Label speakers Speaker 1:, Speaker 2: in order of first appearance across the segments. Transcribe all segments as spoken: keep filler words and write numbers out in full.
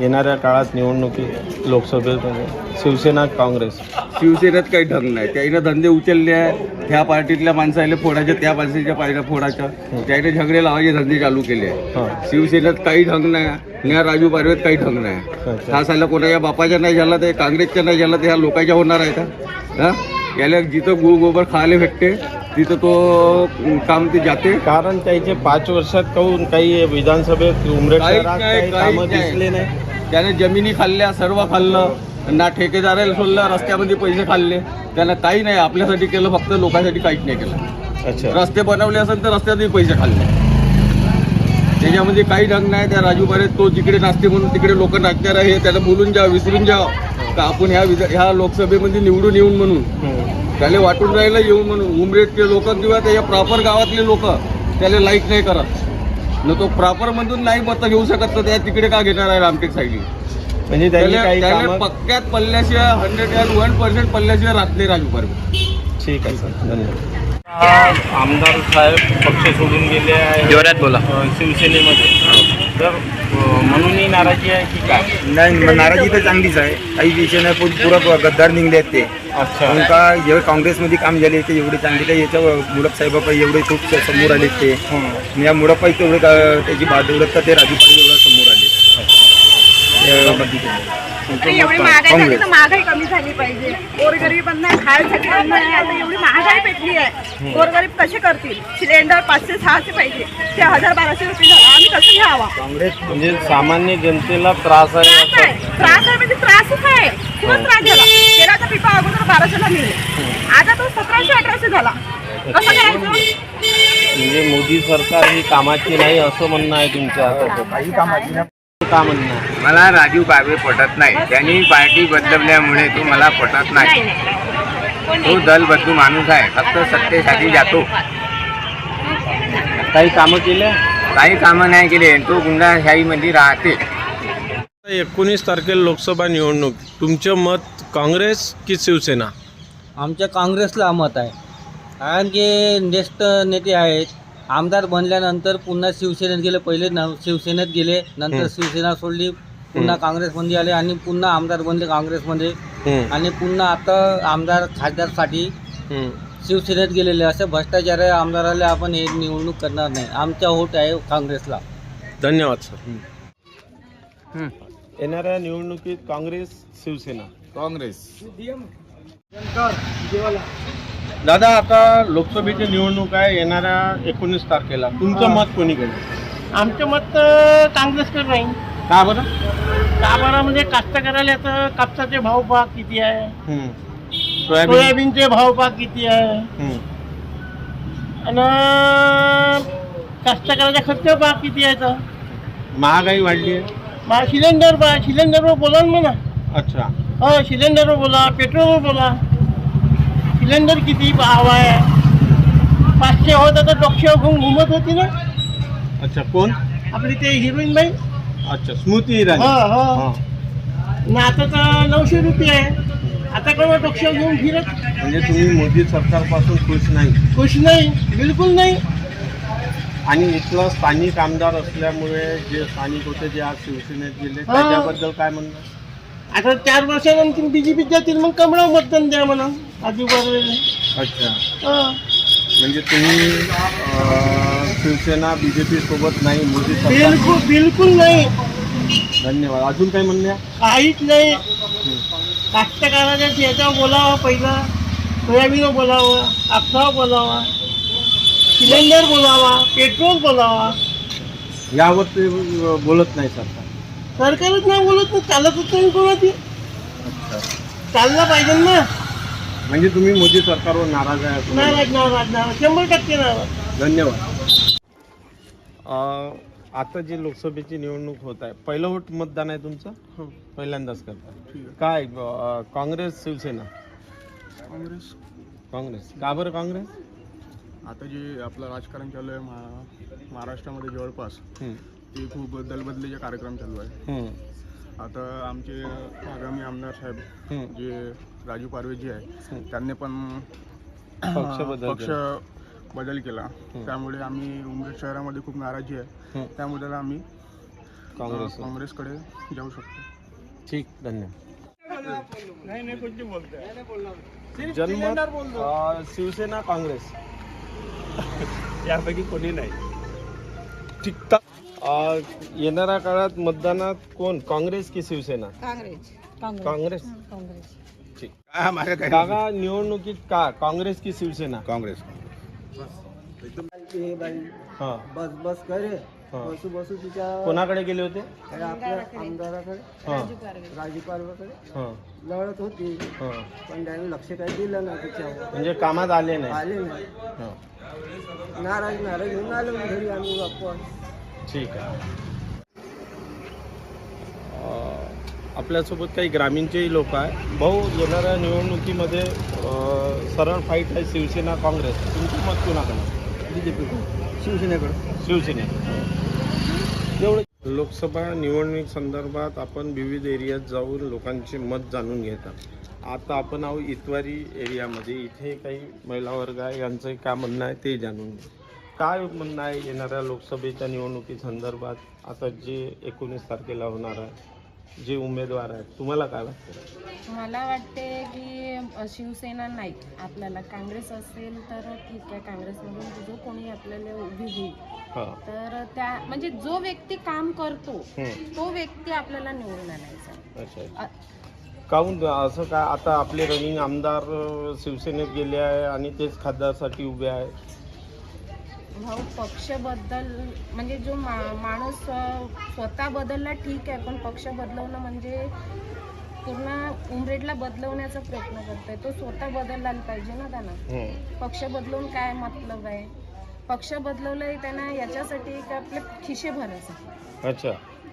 Speaker 1: येणाऱ्या काळात निवडणुकीत लोकसभेमध्ये शिवसेना काँग्रेस
Speaker 2: शिवसेनेत काही ढंग नाही. त्याईनं धंदे उचलले आहे. ह्या पार्टीतल्या माणसाला फोडायचे, त्या माणसाच्या पाहिजे फोडायच्या, त्याईने झगडे लावायचे धंदे चालू केले आहे.
Speaker 1: हां
Speaker 2: शिवसेनेत काही ढंग नाही. न्या राजू पारवेत काही ढंग नाही.
Speaker 1: अच्छा.
Speaker 2: हा साला कोणाच्या बापाच्या नाही झाला ते काँग्रेसच्या नाही झाला ते ह्या लोकांच्या होणार आहे का? हा याला जिथं गु गोबर खायला भेटते तिथं तो काम ते जाते.
Speaker 1: कारण त्याचे पाच वर्षात काहून काही विधानसभेत उमरेड
Speaker 2: काहीच
Speaker 1: शहरात
Speaker 2: नाही,
Speaker 1: काही
Speaker 2: काहीच
Speaker 1: कामं
Speaker 2: नाही.
Speaker 1: दिसले नाही.
Speaker 2: त्याने जमिनी खाल्ल्या, सर्व खाल्लं, ना ठेकेदाराला सोडलं, रस्त्यामध्ये पैसे खाल्ले. त्यानं काही नाही आपल्यासाठी केलं, फक्त लोकांसाठी काहीच नाही केलं.
Speaker 1: अच्छा.
Speaker 2: रस्ते बनवले असेल तर रस्त्यातही पैसे खाल्ले. त्याच्यामध्ये काही ढंग नाही. त्या राजू बारे तो जिकडे नाचते म्हणून तिकडे लोक नाचणार आहे. त्याला बोलून जा, विसरून जा का आपण ह्या विधा ह्या लोकसभेमध्ये निवडून येऊन म्हणून त्याला वाटून राहिलं येऊन म्हणून. उमरेडचे लोक किंवा त्याच्या प्रॉपर गावातले लोक त्याला लाईक नाही करत. न तो प्रॉपर मधून नाही मतं घेऊ शकत, तर त्या तिकडे का घेणार आहे रामटेक साईडली?
Speaker 1: म्हणजे त्यांनी काही
Speaker 2: त्याला
Speaker 1: कामं
Speaker 2: पक्क्यात पल्ल्याशिवाय हंड्रेड अँड वन पर्सेंट पल्ल्याशिवाय राहत नाही राजू पारवे.
Speaker 1: ठीक आहे सर, धन्यवाद. आमदार साहेब पक्ष सोडून गेले आहे
Speaker 3: जोरात बोला.
Speaker 1: अ, शिवसेनेमध्ये, तर अ, म्हणूनही नाराजी आहे की काय?
Speaker 4: नाही, नाराजी तर चांगलीच आहे. काही विषय नाही, पण पुरा गद्दार निघले आहेत ते.
Speaker 1: अच्छा.
Speaker 4: कारण का जेव्हा काँग्रेसमध्ये काम झाले ते एवढे चांगले आहे. याच्या मुळप साहेबापाई एवढे खूप समोर आले ते. आणि या मुळपाई तेवढे का- त्याची बादवडत ते राजू पाटील एवढं समोर आले.
Speaker 5: अरे एवढी महागाई झाली तर महागाई कमी झाली पाहिजे. गोरगरिबांना खायसाठी अन्न नाही. आता एवढी महागाई पेटली आहे, गोरगरीब कसे करतील? सिलेंडर पाचशे सहाशे पाहिजे, ते हजार बाराशे रुपये झाला. आम्ही कसं घ्यावा?
Speaker 1: काँग्रेस म्हणजे सामान्य जनतेला त्रास आहे
Speaker 5: त्रास आहे,
Speaker 1: असं.
Speaker 5: त्रास आहे म्हणजे त्रासच आहे. खूप त्रास झाला. तेलाचा पिपा अगोदर बाराशेला मिळेल, आता तो सतराशे अठराशे झाला. कसं करायचं?
Speaker 1: म्हणजे मोदी सरकार ही कामाची नाही असं म्हणणं आहे तुमच्या हातात.
Speaker 4: काही कामाची नाही.
Speaker 1: का म्हणणं आहे?
Speaker 3: मला राजू बाबे पटत नाही. त्यांनी पार्टी बदलल्यामुळे तो मला पटत नाही. तो दल बदलू माणूस आहे, फक्त सत्तेसाठी जातो.
Speaker 1: काही कामं केले?
Speaker 3: काही कामं नाही केले. तो गुंडाशाहीमध्ये राहते.
Speaker 1: एकोणीस तारखेला लोकसभा निवडणूक, तुमचं मत काँग्रेस की शिवसेना?
Speaker 6: आमच्या काँग्रेसला मत आहे. कारण की ज्येष्ठ नेते आहेत. आमदार बनल्यानंतर पुन्हा शिवसेनेत गेले. पहिले न शिवसेनेत गेले, नंतर शिवसेना सोडली, पुन्हा काँग्रेसमध्ये आले आणि पुन्हा आमदार बनले काँग्रेसमध्ये. आणि पुन्हा आता आमदार खासदारसाठी शिवसेनेत गेलेले. असे भ्रष्टाचारी आमदाराला आपण हे निवडणूक करणार नाही. आमचा वोट आहे काँग्रेसला.
Speaker 1: धन्यवाद सर. येणाऱ्या निवडणुकीत काँग्रेस शिवसेना?
Speaker 2: काँग्रेस.
Speaker 1: दादा, आता लोकसभेची निवडणूक आहे येणाऱ्या एकोणीस तारखेला, तुमचं मत कोणीकडे?
Speaker 7: आमचं मत काँग्रेसकडे राहील.
Speaker 1: का बरं?
Speaker 7: का बरं म्हणजे कास्तकाराला तर कापसाचे भाव पहा किती आहे,
Speaker 1: हम्म. सोयाबीन?
Speaker 7: सोयाबीनचे भाव पहा किती आहे,
Speaker 1: हम्म.
Speaker 7: आणि कास्तकाराचा खर्च पहा किती आहे. तर
Speaker 1: महागाई वाढली आहे.
Speaker 7: मग सिलेंडर पहा, सिलेंडरवर बोला ना म्हणा.
Speaker 1: अच्छा.
Speaker 7: हो, सिलेंडरवर बोला, पेट्रोलवर बोला. सिलेंडर किती भाव आहे? पाचशे होत तर डोकशे घेऊन घुमत होती ना.
Speaker 1: अच्छा. कोण?
Speaker 7: आपली ते हिरोईन बाई.
Speaker 1: अच्छा, स्मृती इराणी.
Speaker 7: हो हो.
Speaker 1: हा.
Speaker 7: ना आता तर नऊशे रुपये आहे. आता कोणा डोकशा घेऊन फिरत
Speaker 1: म्हणजे तुम्ही मोदी सरकारपासून खुश नाही?
Speaker 7: खुश नाही, बिलकुल नाही.
Speaker 1: आणि इथलं स्थानिक आमदार असल्यामुळे जे स्थानिक होते जे आज शिवसेनेत गेले
Speaker 7: हा.
Speaker 1: त्याच्याबद्दल काय म्हणणं?
Speaker 7: आता चार वर्षानंतर बीजेपीत जातील, मग कमळा मतदान द्या म्हणा आजू बाजूला.
Speaker 1: अच्छा. म्हणजे तुम्ही अं, शिवसेना बीजेपी सोबत नाही, मोदी सरकार?
Speaker 7: बिलकुल बिलकुल नाही.
Speaker 1: धन्यवाद. अजून काही म्हणण्या?
Speaker 7: काहीच नाही. कास्तकाराच्या याच्यावर बोलावं, पहिला सोयाबीनवर बोलावं, कापसावर बोलावा, सिलेंडर बोलावा, पेट्रोल बोलावा.
Speaker 1: यावर ते बोलत नाही सरकार?
Speaker 7: सरकारच नाही बोलत, तर चालतच नाही कोणाची.
Speaker 1: अच्छा.
Speaker 7: चाललं पाहिजे ना.
Speaker 1: म्हणजे तुम्ही मोदी सरकारवर नाराज आहे असं?
Speaker 7: नाराज नाराज नाराज शंभर टक्के नाराज.
Speaker 1: धन्यवाद. आता जी लोकसभेची निवडणूक होत आहे, पहिलं वोट मतदान आहे तुमचं? पहिल्यांदाच करता काय? अं, काँग्रेस शिवसेना?
Speaker 8: काँग्रेस.
Speaker 1: काँग्रेस. का बरं काँग्रेस?
Speaker 8: आता जे आपलं राजकारण चालू आहे महा महाराष्ट्रामध्ये जवळपास ते खूप दलबदलीचे कार्यक्रम चालू आहे. आता आमचे आगामी आमदार साहेब जे राजू पारवे जी आहे त्यांनी पण
Speaker 1: पक्ष बदल
Speaker 8: पक्ष बदल केला. त्यामुळे आम्ही उमरेड शहरामध्ये खूप नाराजी आहे. त्यामुळे आम्ही
Speaker 1: काँग्रेस
Speaker 8: काँग्रेसकडे जाऊ शकतो.
Speaker 1: ठीक, धन्यवाद. जन्मत अं, शिवसेना काँग्रेस
Speaker 8: यापैकी कोणी नाही.
Speaker 1: ठीक. अं, येणाऱ्या काळात मतदानात कोण, काँग्रेस की शिवसेना?
Speaker 5: काँग्रेस
Speaker 1: काँग्रेस.
Speaker 5: काँग्रेस
Speaker 1: ठीक. काका निवडणुकीत का काँग्रेस की शिवसेना?
Speaker 2: काँग्रेस.
Speaker 1: हा
Speaker 6: बस बस करे
Speaker 1: हा.
Speaker 6: बसू बसू तिच्या
Speaker 1: कोणाकडे गेले होते?
Speaker 6: आपल्या आमदाराकडे
Speaker 1: हा
Speaker 6: राजू पारवाकडे
Speaker 1: हा
Speaker 6: लढत होती,
Speaker 1: हा.
Speaker 6: पण त्याने लक्ष काही दिलं नाही त्याच्यावर,
Speaker 1: म्हणजे कामात आले नाही.
Speaker 6: आले नाही.
Speaker 1: हा.
Speaker 6: नाराज नाराज घेऊन आलो घरी आम्ही वापस.
Speaker 1: ठीक आहे. अं, आपल्यासोबत काही ग्रामीणचेही लोक आहे. भाऊ, येणाऱ्या निवडणुकीमध्ये अं, सरळ फाईट आहे शिवसेना काँग्रेस. तुमचं मत कोणाकडे?
Speaker 6: बीजेपी शिवसेनेकडे.
Speaker 1: शिवसेने. एवढं. लोकसभा निवडणूक संदर्भात आपण विविध एरियात जाऊन लोकांचे मत जाणून घेतात. आता आपण आहोत इतवारी एरियामध्ये. इथे काही महिला वर्ग आहे, यांचं काय म्हणणं आहे ते जाणून घेऊ. काय म्हणणं आहे येणाऱ्या लोकसभेच्या निवडणुकी संदर्भात? आता जे एकोणीस तारखेला होणार आहे, जे उमेदवार आहेत, तुम्हाला काय वाटतं?
Speaker 9: मला वाटते की शिवसेना नाही, आपल्याला काँग्रेस असेल तर ठीक आहे. काँग्रेसमधून जो कोणी आपल्याला उभी होईल
Speaker 1: हां.
Speaker 9: तर त्या म्हणजे जो व्यक्ती काम करतो
Speaker 1: हं.
Speaker 9: तो व्यक्ती आपल्याला निवडून आणायचा.
Speaker 1: अच्छा.
Speaker 9: अ-
Speaker 1: काहून असं काय? आता आपले रनिंग आमदार अं, शिवसेनेत गेले आहे आणि तेच खासदारसाठी उभे आहे.
Speaker 9: भाऊ, पक्षबद्दल म्हणजे जो मा माणूस अ, स्वतः बदलला ठीक आहे, पण पक्ष बदलवणं म्हणजे पूर्ण उमरेडला बदलवण्याचा प्रयत्न करतोय. तो स्वतः बदलला पाहिजे ना त्यानं.
Speaker 1: हं.
Speaker 9: पक्ष बदलून काय मतलब आहे? पक्ष बदलवलंय त्यांना याच्यासाठी की आपले खिशे भरायचे.
Speaker 1: अच्छा.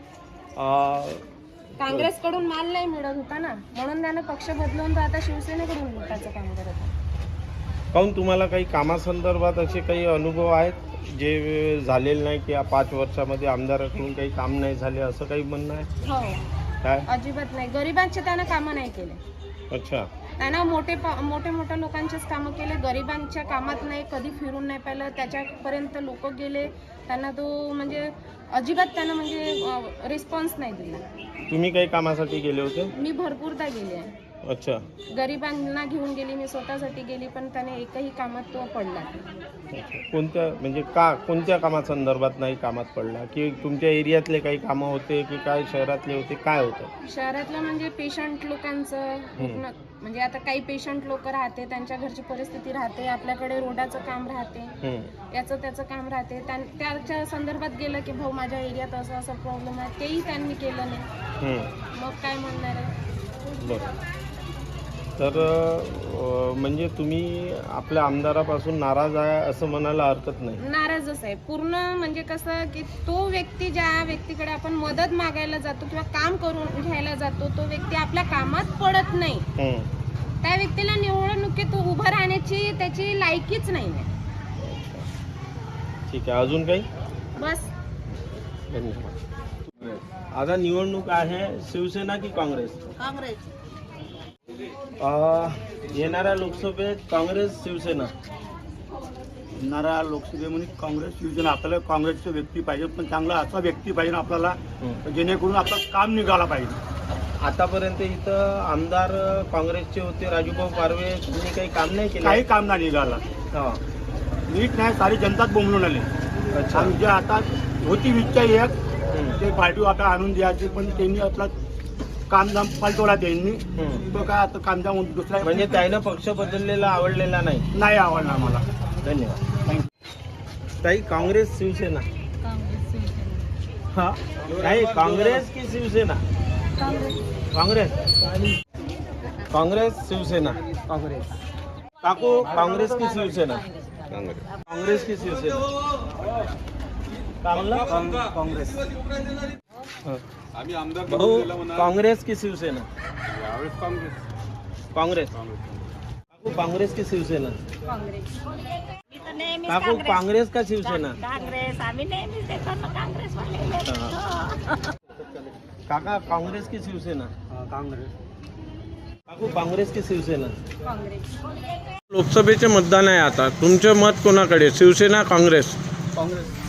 Speaker 1: अं,
Speaker 9: काँग्रेसकडून माल नाही मिळत होता ना, म्हणून त्यानं पक्ष बदलवून तर आता शिवसेनेकडून लुटायचं काम करत आहे.
Speaker 1: काहून तुम्हाला काही कामासंदर्भात असे काही अनुभव आहेत जे झालेले नाही की या पाच वर्षामध्ये आमदाराकडून काही काम नाही झाले, असं काही म्हणणं आहे?
Speaker 9: हो,
Speaker 1: काय?
Speaker 9: अजिबात नाही. गरिबांचे त्यानं कामं नाही केले.
Speaker 1: अच्छा.
Speaker 9: त्यानं मोठे मोठे मोठ्या लोकांचेच कामं केले, गरिबांच्या कामात नाही कधी फिरून नाही पाहिलं. त्याच्यापर्यंत लोक गेले, त्यांना तो म्हणजे अजिबात त्यानं म्हणजे रिस्पॉन्स नाही दिला.
Speaker 1: तुम्ही काही कामासाठी गेले होते?
Speaker 9: मी भरपूरदा गेले आहे.
Speaker 1: अच्छा.
Speaker 9: गरिबांना घेऊन गेली, मी स्वतःसाठी गेली, पण त्याने एकही कामात तो पडला नाही.
Speaker 1: कोणत्या म्हणजे का कोणत्या कामासंदर्भात नाही कामात पडला? की तुमच्या एरियातले काही कामं होते की काय शहरातले होते, काय होतं?
Speaker 9: शहरातलं म्हणजे पेशंट लोकांचं पूर्ण म्हणजे आता काही पेशंट लोक राहते, त्यांच्या घरची परिस्थिती राहते, आपल्याकडे रोडाचं काम राहते,
Speaker 1: हं.
Speaker 9: याचं त्याचं काम राहते. त्यां त्याच्या संदर्भात गेलं की भाऊ माझ्या एरियात असं असं प्रॉब्लेम आहे, तेही त्यांनी केलं नाही.
Speaker 1: हं.
Speaker 9: मग काय म्हणणार आहे?
Speaker 1: बरं. तर अं, म्हणजे तुम्ही आपल्या आमदारापासून नाराज आहे असं म्हणायला हरकत नाही?
Speaker 9: नाराजच आहे पूर्ण. म्हणजे कसं की तो व्यक्ती ज्या व्यक्तीकडे आपण मदत मागायला जातो किंवा काम करून घ्यायला जातो, तो व्यक्ती आपल्या कामात पडत नाही.
Speaker 1: हं.
Speaker 9: त्या व्यक्तीला निवडणुकीत उभं राहण्याची त्याची लायकीच नाही आहे.
Speaker 1: ठीक आहे. अजून काही?
Speaker 9: बस.
Speaker 1: धन्यवाद. आता निवडणूक आहे, शिवसेना की काँग्रेस?
Speaker 5: काँग्रेस.
Speaker 1: अं, येणाऱ्या लोकसभेत काँग्रेस शिवसेना?
Speaker 4: येणाऱ्या लोकसभेमध्ये काँग्रेस शिवसेना. आपल्याला काँग्रेसचा व्यक्ती पाहिजे, पण चांगला असा व्यक्ती पाहिजे आपल्याला जेणेकरून आपलं काम निघाला पाहिजे.
Speaker 1: आतापर्यंत इथं आमदार काँग्रेसचे होते राजूभाऊ पारवे, त्यांनी काही काम नाही केलं?
Speaker 4: काही काम नाही निघाला.
Speaker 1: हा.
Speaker 4: नीट नाही, सारी जनताच बोंबलून आली.
Speaker 1: अच्छा.
Speaker 4: आमच्या आता होती इच्छा एक
Speaker 1: हं.
Speaker 4: ते पार्टी आता आणून द्यायची, पण त्यांनी आपला कामधाम पलटवला. त्यांनी
Speaker 1: हं.
Speaker 4: तो काय आता कामधाम दुसरा
Speaker 1: म्हणजे त्यानं पक्ष बदललेला आवडलेला नाही?
Speaker 4: नाही आवडला मला.
Speaker 1: धन्यवाद. ताई, काँग्रेस शिवसेना? हा. नाही, काँग्रेस की शिवसेना? काँग्रेस. काँग्रेस शिवसेना?
Speaker 6: काँग्रेस.
Speaker 1: काकू, काँग्रेस की शिवसेना? काँग्रेस की शिवसेना? काय म्हणला?
Speaker 6: काँग्रेस.
Speaker 1: हा. भाऊ, काँग्रेस की शिवसेना? काँग्रेस. काकू, काँग्रेस की शिवसेना?
Speaker 5: काँग्रेस.
Speaker 1: काकू, काँग्रेस का शिवसेना?
Speaker 5: काँग्रेस. आम्ही नेहमीच देतो ना काँग्रेसवाले.
Speaker 1: काका, काँग्रेस की शिवसेना?
Speaker 6: काँग्रेस.
Speaker 1: काकू, काँग्रेस की शिवसेना?
Speaker 9: काँग्रेस.
Speaker 1: लोकसभेचे मतदान आहे आता. तुमचं मत कोणाकडे, शिवसेना काँग्रेस?
Speaker 6: काँग्रेस.